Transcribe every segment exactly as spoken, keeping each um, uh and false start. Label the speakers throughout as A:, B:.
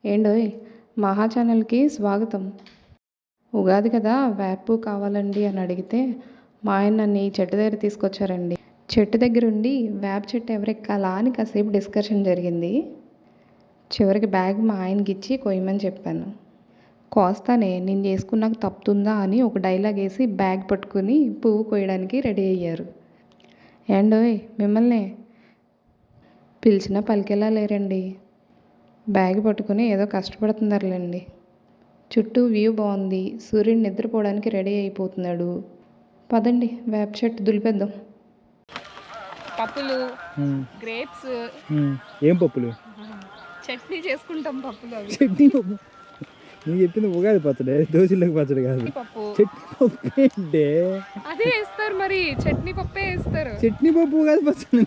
A: ఏండోయ్ మహా ఛానల్కి స్వాగతం. ఉగాది కదా వేపు కావాలండి అని అడిగితే మా ఆయన నన్ను ఈ చెట్టు దగ్గర తీసుకొచ్చారండి. చెట్టు దగ్గర ఉండి వేప చెట్టు ఎవరెక్కాలా అని కాసేపు డిస్కషన్ జరిగింది. చివరికి బ్యాగ్ మా ఆయనకి ఇచ్చి కొయ్యమని చెప్పాను. కోస్తానే నేను చేసుకున్నాక తప్పుతుందా అని ఒక డైలాగ్ వేసి బ్యాగ్ పట్టుకుని పువ్వు కొయ్యడానికి రెడీ అయ్యారు. ఏండోయ్ మిమ్మల్ని పిలిచినా పలికేలా లేరండి. బ్యాగ్ పట్టుకుని ఏదో కష్టపడుతున్నారులేండి. చుట్టూ వ్యూ బాగుంది. సూర్యుడు నిద్రపోవడానికి రెడీ అయిపోతున్నాడు. పదండి వేప చెట్టు దులిపేద్దాం. పప్పులు, గ్రేప్స్.
B: ఏం పప్పులు?
A: చట్నీ చేసుకుంటాం. పప్పులు అవి.
B: చట్నీ పప్పు నువ్వు చెప్పింది ఉగాది పచ్చడి, దోశలోకి పచ్చడి కాదు.
A: పప్పు
B: చట్నీ పప్పు ఏంటే?
A: అదే వేస్తారు మరి, చట్నీ పప్పే వేస్తారు.
B: చట్నీ పప్పు ఉగాది పచ్చడి.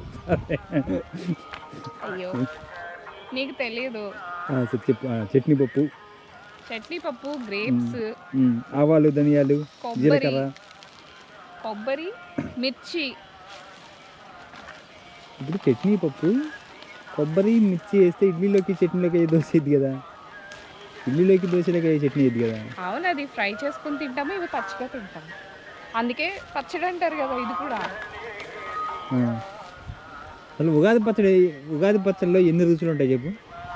A: అయ్యో నీకు తెలియదు.
B: చెప్పు. చట్నీ పప్పు,
A: చట్నీ పప్పు, గ్రేప్స్,
B: ఆవాలు, ధనియాలు, జీలకర్ర,
A: కొబ్బరి, మిర్చి.
B: ఇప్పుడు చట్నీ పప్పు, కొబ్బరి, మిర్చి వేస్తే ఇడ్లీలోకి చట్నీలోకి దోశ ఇది కదా. ఇడ్లీలోకి దోశలోకి చట్నీ ఇది కదా.
A: అవును, అది ఫ్రై చేసుకుని తింటాము, ఇవి పచ్చిగా తింటాము. అందుకే పచ్చడి అంటారు కదా ఇది కూడా.
B: అసలు ఉగాది పచ్చడి, ఉగాది పచ్చడిలో ఎన్ని రుచులు ఉంటాయి చెప్పు?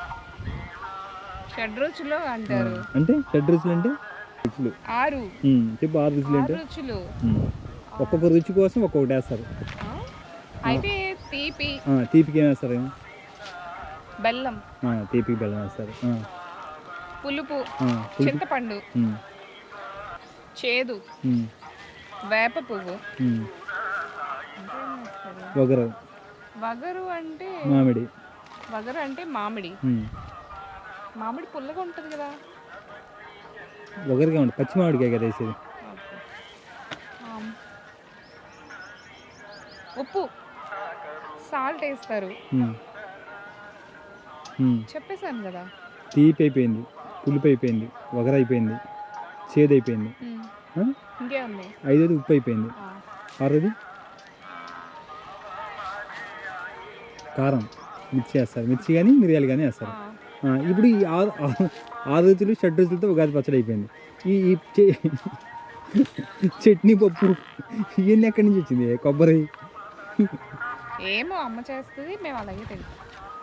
A: షడ్ రుచులు అంటారు.
B: అంటే షడ్ రుచులు అంటే రుచులు
A: ఆరు.
B: చెప్పు ఆరు రుచులు అంటే.
A: రుచులు
B: ఒక్కొక్క రుచి కోసం ఒక్కొక్కటి వేస్తారు.
A: అయితే తీపి,
B: తీపికి ఏం వేస్తారు?
A: బెల్లం.
B: తీపికి బెల్లం వేస్తారు.
A: పులుపు, చింతపండు, చేదు, వేప పువ్వు,
B: వగరు.
A: వగరు అంటే
B: మామిడి.
A: వగరు అంటే మామిడి. మామిడి పుల్లగా ఉంటుంది కదా.
B: వగరుగా ఉంటుంది, పచ్చి మామిడికాయ కదా వేసేది.
A: ఉప్పు, సాల్ట్ వేస్తారు. చెప్పేశాను కదా.
B: తీపి అయిపోయింది, పులుపు అయిపోయింది, వగర అయిపోయింది, చేదు అయిపోయింది,
A: ఇంకేముంది?
B: ఐదోది ఉప్పు అయిపోయింది, ఆరోది కారం, మిర్చి వేస్తారు. మిర్చి కానీ మిరియాలు కానీ వేస్తారు. ఇప్పుడు ఈ ఆరు ఆరు రుచులు షడ్ రుచులతో ఉగాది పచ్చడి అయిపోయింది. ఈ చట్నీ పప్పు ఇవన్నీ ఎక్కడి నుంచి వచ్చింది? కొబ్బరి
A: ఏమో అమ్మ చేస్తుంది, మేము అలాగే తింటాం.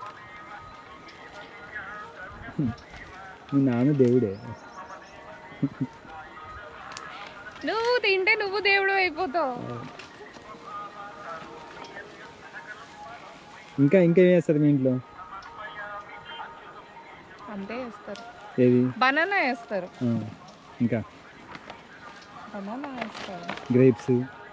B: మీ నాన్న దేవుడే.
A: నువ్వు తింటే నువ్వు దేవుడు అయిపోతావు.
B: ఇంకా ఇంకా ఏం వేస్తారు మీ ఇంట్లో?
A: అంతే వేస్తారు.
B: ఏది?
A: బనానా వేస్తారు.
B: ఇంకా
A: బనానా వేస్తారు.
B: గ్రేప్స్.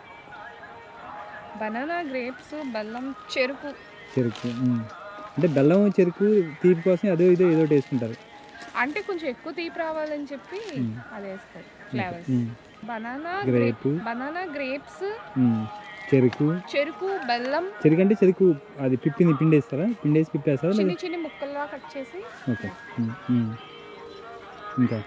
A: బనానా, గ్రేప్స్, బెల్లం, చెరుకు.
B: చెరుకు అంటే బెల్లం, చెరుకు తీపి కోసం అదో ఇదో ఏదో వేసుకుంటారు.
A: అంటే కొంచెం ఎక్కువ తీపి రావాలని చెప్పి అది వేస్తారు. Flavours. Banana,
B: grape,
A: banana, grapes,
B: చెరుకు.
A: చెరుకు, బెల్లం.
B: చెరుకు అంటే చెరుకు అది పిప్పింది, పిండి వేస్తారా? పిండి వేసి పిప్పి వేస్తారా?
A: చిన్న చిన్న ముక్కలుగా కట్ చేసి.
B: ఓకే. ఇంకా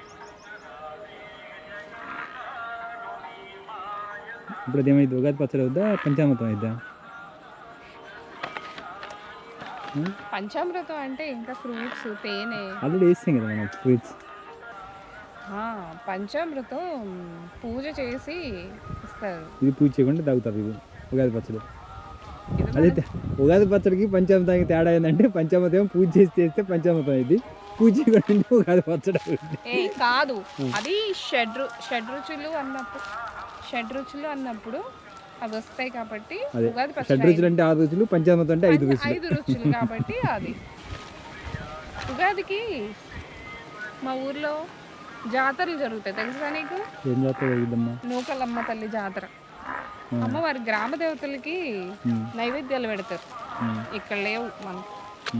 B: ఇప్పుడు అదేమైంది? ఉగాది పచ్చడి అవుద్దా, పంచామృతం అయిద్దా?
A: పంచామృతం అంటే ఇంకా ఫ్రూట్స్, తేనె
B: ఆల్రెడీ వేస్తాం కదా మనం ఫ్రూట్స్.
A: పంచామృతం పూజ చేసి ఇస్తారు.
B: ఇది పూజ చేయకుండా తాగుతారు ఇది ఉగాది పచ్చడి. అదే ఉగాది పచ్చడికి పంచామృతానికి తేడా ఏంటంటే పంచామృతం పూజ చేసి చేస్తే పంచామృతం అయింది, పూజ చేయకుండా ఉగాది పచ్చడి
A: ఏ కాదు. అది షడ్ షడ్ రుచులు అన్నప్పుడు షడ్ రుచులు అన్నప్పుడు అవి వస్తాయి కాబట్టి ఉగాది పచ్చడి.
B: షడ్ రుచులు అంటే ఆరు రుచులు, పంచామృతం అంటే ఐదు రుచులు.
A: ఐదు రుచులు కాబట్టి అది ఉగాదికి మా ఊర్లో జాతరలు జరుగుతాయి, తెలుసా నీకు?
B: ఏం జాతర జరుగుతుందమ్మా?
A: నూకలమ్మ తల్లి జాతర. అమ్మవారి గ్రామ దేవతలకి నైవేద్యాలు పెడతారు. ఇక్కడ లేవు మనకి.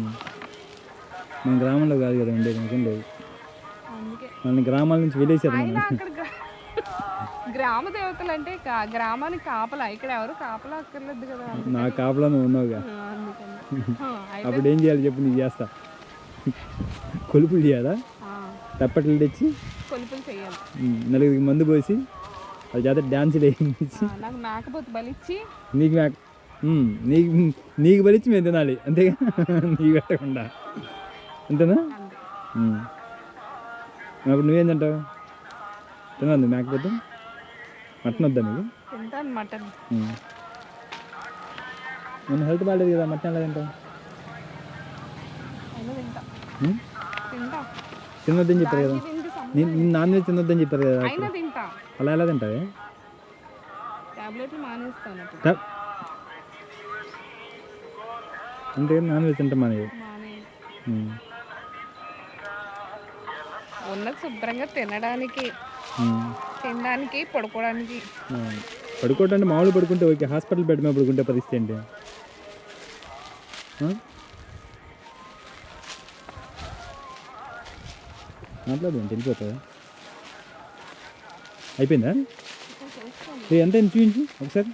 B: మన గ్రామంలో కాదు కదా ఉండేది, ఇంకేం లేదు.
A: అందుకే
B: మన గ్రామాల నుంచి వెళ్ళేసారు.
A: అక్కడ గ్రామ దేవతలు అంటే గ్రామానికి కాపలా, ఇక్కడ ఎవరు కాపలా అక్కర్లేదు కదా.
B: నా కాపలా నువ్వు ఉన్నావుగా. అప్పుడు ఏం చేయాలి చెప్పు? నీకు చేస్తా. కొలుపులు చేయాలా? తప్పట్లు తెచ్చి
A: కొలుపులు చేయాలి.
B: నలుగురికి మందు పోసి అది చేత డ్యాన్సులు వేయించి
A: నాకు మేకపోతే బలిచ్చి
B: నీకు మేక నీకు నీకు బలిచ్చి మేము తినాలి అంతేగా, నీకు పెట్టకుండా. అంతేనా? ఉమ్. అప్పుడు నువ్వేం తింటావు? తినదు మేకపోతే మటన్ వద్దా నీకు?
A: తింటాను మటన్.
B: ఉమ్. నేను హెల్త్ బాగాలేదు కదా, మటన్ ఎలా తింటావు?
A: అయినా తింటా
B: ఉమ్?
A: తింటా
B: తినొద్దని చెప్పారు కదా,
A: దానికి దీనికి సంబంధం
B: నేను నేను నాన్ వెజ్ తినొద్దని చెప్పారు కదా
A: అయినా
B: డాక్టర్.
A: తింటా.
B: అలా ఎలా తింటావే?
A: టాబ్లెట్లు మానేస్తాను అప్పుడు.
B: ట- అంటే నాన్ వెజ్ తింటాం మానేవి.
A: మానే
B: ఉమ్.
A: ఉన్నది శుభ్రంగా తినడానికి,
B: ఉమ్.
A: తినడానికి, పడుకోవడానికి.
B: ఆ. పడుకోవటం అంటే మామూలు పడుకుంటే ఓకే, హాస్పిటల్ బెడ్ మీద పడుకుంటే పరిస్థితి ఏంటి? ఆ? మాట్లాడదు వెళ్ళిపోతుందా? అయిపోయిందా? ఏ, ఎంత అయింది చూపించు ఒకసారి.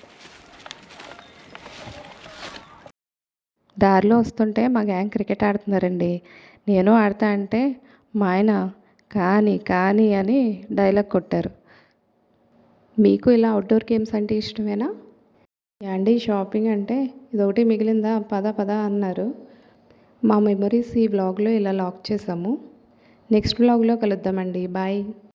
A: దారిలో వస్తుంటే మా గ్యాంగ్ క్రికెట్ ఆడుతున్నారండి. నేను ఆడతా అంటే మా ఆయన కానీ కానీ అని డైలాగ్ కొట్టారు. మీకు ఇలా అవుట్డోర్ గేమ్స్ అంటే ఇష్టమేనా? యాండీ షాపింగ్ అంటే ఇదొకటి మిగిలిందా, పద పద అన్నారు. మా మెమరీస్ ఈ వ్లాగ్లో ఇలా లాక్ చేసాము. నెక్స్ట్ వ్లాగ్లో కలుద్దామండి. బాయ్.